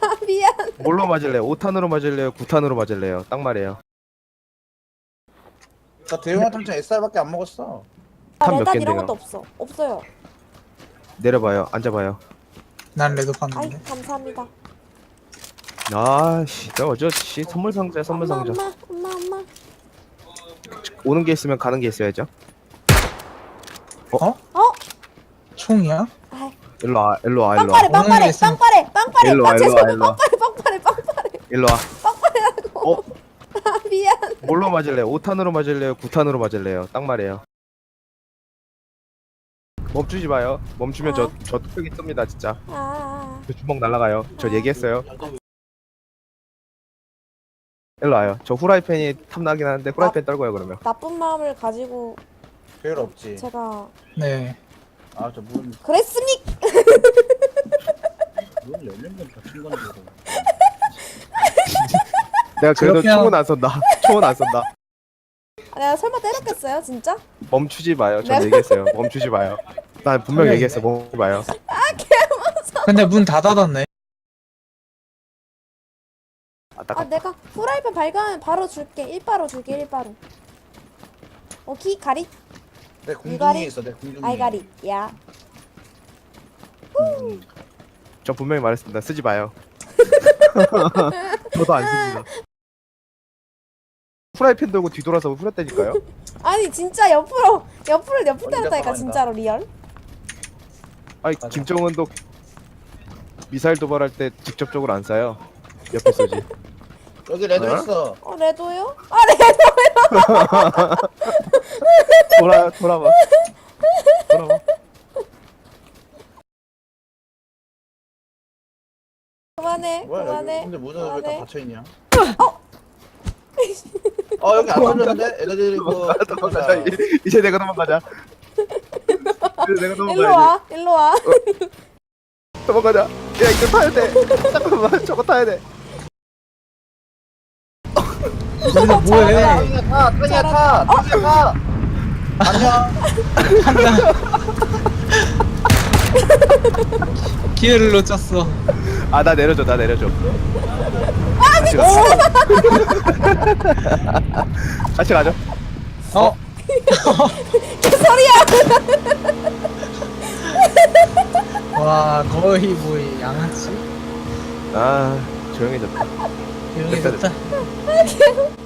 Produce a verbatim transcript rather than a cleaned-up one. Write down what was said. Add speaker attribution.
Speaker 1: 미안.
Speaker 2: 뭘로 맞을래요? 오 탄으로 맞을래요? 구 탄으로 맞을래요? 딱 말이에요.
Speaker 3: 나 대용량 탄창 에스알밖에 안 먹었어.
Speaker 1: 아,
Speaker 2: 탄몇
Speaker 1: 레단 이런
Speaker 2: 갠데요?
Speaker 1: 것도 없어. 없어요.
Speaker 2: 내려봐요. 앉아봐요.
Speaker 4: 난 레드
Speaker 1: 아이,
Speaker 4: 봤는데.
Speaker 1: 감사합니다.
Speaker 2: 아씨, 저 어저 씨 선물 상자, 선물
Speaker 1: 엄마,
Speaker 2: 상자.
Speaker 1: 엄마, 엄마, 엄마.
Speaker 2: 오는 게 있으면 가는 게 있어야죠.
Speaker 1: 어?
Speaker 4: 총이야?
Speaker 1: 아이,
Speaker 2: 일로 와, 일로 와, 일로 와.
Speaker 1: 빵빠레, 빵빠레,
Speaker 4: 있으면-
Speaker 1: 빵빠레, 빵빠레.
Speaker 2: 일로 와,
Speaker 1: 아,
Speaker 2: 일로 와,
Speaker 1: 죄송해요.
Speaker 2: 일로 와.
Speaker 1: 빵빠레, 빵빠레, 빵빠레.
Speaker 2: 일로 와.
Speaker 1: 빵빠레라고.
Speaker 2: 어?
Speaker 1: 아, 미안.
Speaker 2: 뭘로 맞을래요? 오 탄으로 맞을래요? 구 탄으로 맞을래요? 딱 말이에요. 멈추지 마요. 멈추면 저, 저 뚝배기 뜹니다, 진짜.
Speaker 1: 아,
Speaker 2: 저 주먹 날라가요. 저 얘기했어요. 일로 와요. 저 후라이팬이 탐나긴 하는데 후라이팬 떨고요, 그러면.
Speaker 1: 나쁜 마음을 가지고
Speaker 3: 배열 없지.
Speaker 1: 제가
Speaker 4: 네.
Speaker 3: 아, 저 문,
Speaker 1: 그랬습니까?
Speaker 3: 문 열린 건 닫힌 건지 모르겠어.
Speaker 2: 내가 그래도
Speaker 4: 그렇게
Speaker 2: 총은 안 쏜다. 총은 안 쏜다.
Speaker 1: 아, 내가 설마 때렸겠어요, 진짜?
Speaker 2: 멈추지 마요. 저
Speaker 1: 네.
Speaker 2: 얘기했어요. 멈추지 마요. 난 분명
Speaker 4: 그래.
Speaker 2: 얘기했어. 멈추지 마요.
Speaker 4: 근데 문 다 닫았네.
Speaker 2: 아, 딱
Speaker 1: 아, 내가 후라이팬 발견하면 바로 줄게. 일바로 줄게, 일바로. 오키, 가리?
Speaker 3: 내 궁둥이에
Speaker 1: 이가리?
Speaker 3: 있어, 내 궁둥이.
Speaker 1: 아이가리. 야.
Speaker 2: 저 분명히 말했습니다. 쓰지 마요. 저도 안 씁니다. 후라이팬 들고 뒤돌아서 후렸다니까요.
Speaker 1: 아니, 진짜 옆으로, 옆으로, 옆으로
Speaker 3: 어,
Speaker 1: 때렸다니까,
Speaker 3: 이제
Speaker 1: 진짜로, 리얼.
Speaker 2: 아니
Speaker 3: 맞아.
Speaker 2: 김정은도 미사일 도발할 때 직접적으로 안 쏴요. 옆에 쏘지.
Speaker 3: 여기 레드
Speaker 2: 어?
Speaker 3: 있어.
Speaker 1: 어, 레도요? 아, 레도!
Speaker 2: 돌아 돌아봐. 돌아봐.
Speaker 1: 그만해,
Speaker 3: 뭐야, 여기.
Speaker 1: 그만해.
Speaker 3: 근데 문은 왜 다
Speaker 1: 그만해.
Speaker 3: 닫혀있냐? 어, 여기 안 뚫렸는데? 애들 이거.
Speaker 2: 도망가자. 이제- 이제 내가 도망가자. 이제 내가
Speaker 1: 일로
Speaker 2: 도망가야지.
Speaker 1: 와, 일로 와.
Speaker 2: 도망가자. 야 이거 타야 돼. 잠깐만 저거 타야 돼.
Speaker 4: 근데 뭐해?
Speaker 3: 타이야, 타! 타이야, 타! 타이야, 타! 안녕.
Speaker 4: 기회를 놓쳤어.
Speaker 2: 아 나 내려줘 나 내려줘. 같이 가. 같이 가죠.
Speaker 4: 어? 와, 거의 뭐 양아치?
Speaker 2: 아 조용해졌다.
Speaker 4: 조용히
Speaker 2: 됐다,
Speaker 4: 됐다.